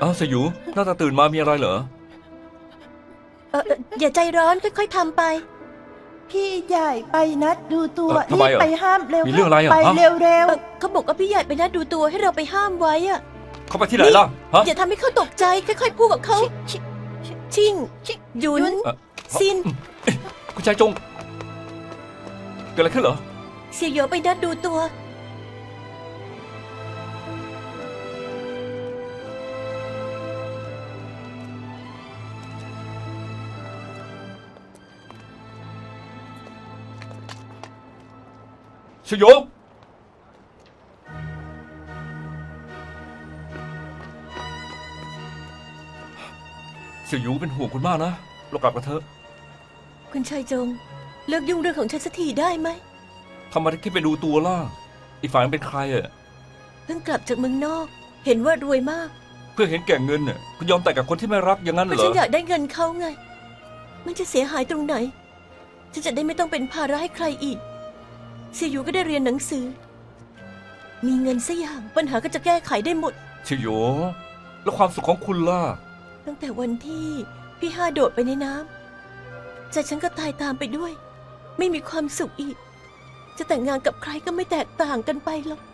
อ้าวเสี่ยวหยูหน้าตาตื่นมามีอะไรเหรออย่าใจร้อนค่อยๆทำไปพี่ใหญ่ไปนัดดูตัวทำไมรีบไปห้ามเร็วมีเรื่องอะไรอ่ะไปฮะเร็วเขาบอกว่าพี่ใหญ่ไปนัดดูตัวให้เราไปห้ามไว้อะเขาไปที่ไหนล่ะฮะอย่าทำให้เขาตกใจค่อยๆพูดกับเขาชิงหยุนเอ่อซินคุณชายจงเกิดอะไรขึ้นเหรอเสี่ยวหยูไปนัดดูตัวเสี่ยวหยูเสี่ยวหยูเป็นห่วงคุณมากนะเรากลับกันเถอะคุณชายจงเลิกยุ่งเรื่องของฉันสักทีได้ไหมทำไมถึงคิดไปดูตัวล่ะอีกฝ่ายมันเป็นใครอ่ะเพิ่งกลับจากเมืองนอก เห็นว่ารวยมากเพื่อเห็นแก่เงินน่ะคุณยอมแต่งกับคนที่ไม่รักอย่างนั้นเพราะเหรฉัอนอยากได้เงินเขาไง มันจะเสียหายตรงไหนฉันจะได้ไม่ต้องเป็นภาระให้ใครอีกเสี่ยวหยูก็ได้เรียนหนังสือ มีเงินสักอย่างปัญหาก็จะแก้ไขได้หมดเสี่ยวหยูแล้วความสุขของคุณล่ะตั้งแต่วันที่พี่ห้าโดดไปในน้ำใจฉันก็ตายตามไปด้วย ไม่มีความสุขอีก จะแต่งงานกับใครก็ไม่แตกต่างกันไปหรอก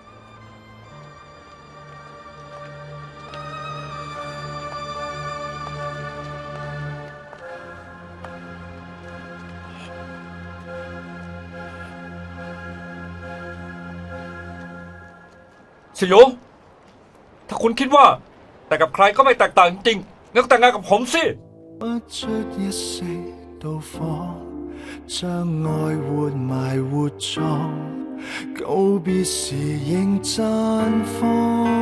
เสี่ยวหยูถ้าคุณคิดว่าแต่กับใครก็ไม่แตกต่างจริงๆงั้นก็แต่งงานกับผมสิ不出一息到訪，將愛活埋活葬，告別時仍綻放。